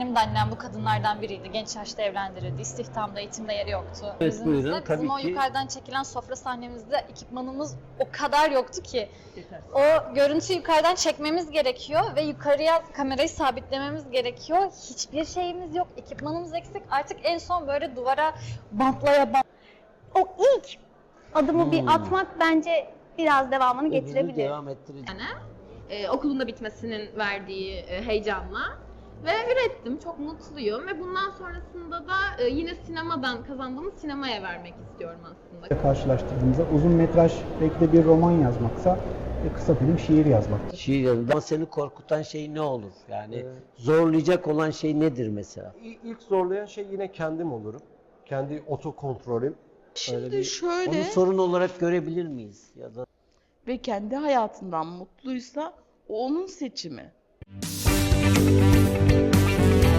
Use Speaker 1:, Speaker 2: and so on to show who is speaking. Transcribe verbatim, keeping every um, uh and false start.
Speaker 1: Benim de annem bu kadınlardan biriydi. Genç yaşta evlendirildi. İstihdamda, eğitimde yeri yoktu.
Speaker 2: Evet,
Speaker 1: Bizim
Speaker 2: buyurun.
Speaker 1: de-
Speaker 2: Tabii
Speaker 1: Bizim o
Speaker 2: ki.
Speaker 1: yukarıdan çekilen sofra sahnemizde ekipmanımız o kadar yoktu ki. O görüntüyü yukarıdan çekmemiz gerekiyor ve yukarıya kamerayı sabitlememiz gerekiyor. Hiçbir şeyimiz yok. Ekipmanımız eksik. Artık en son böyle duvara bantlaya bant.
Speaker 3: O ilk adımı
Speaker 2: Hmm.
Speaker 3: bir atmak bence biraz devamını
Speaker 2: Öbürünü
Speaker 3: getirebilir.
Speaker 2: devam ettirecek.
Speaker 4: e, okulun da bitmesinin verdiği e, heyecanla ve ürettim. Çok mutluyum ve bundan sonrasında da e, yine sinemadan kazandığımız sinemaya vermek istiyorum aslında.
Speaker 5: Karşılaştırdığımızda uzun metraj belki de bir roman yazmaksa, e, kısa film şiir yazmaktır.
Speaker 2: Şiir yazında ama seni korkutan şey ne olur? Yani
Speaker 6: Ee,
Speaker 2: zorlayacak olan şey nedir mesela?
Speaker 6: İ- İlk zorlayan şey yine kendim olurum. Kendi otokontrolüm. Öyle
Speaker 7: Şimdi
Speaker 6: bir-
Speaker 7: şöyle
Speaker 2: Onu sorun olarak görebilir miyiz? Ya da
Speaker 7: ve kendi hayatından mutluysa o onun seçimi.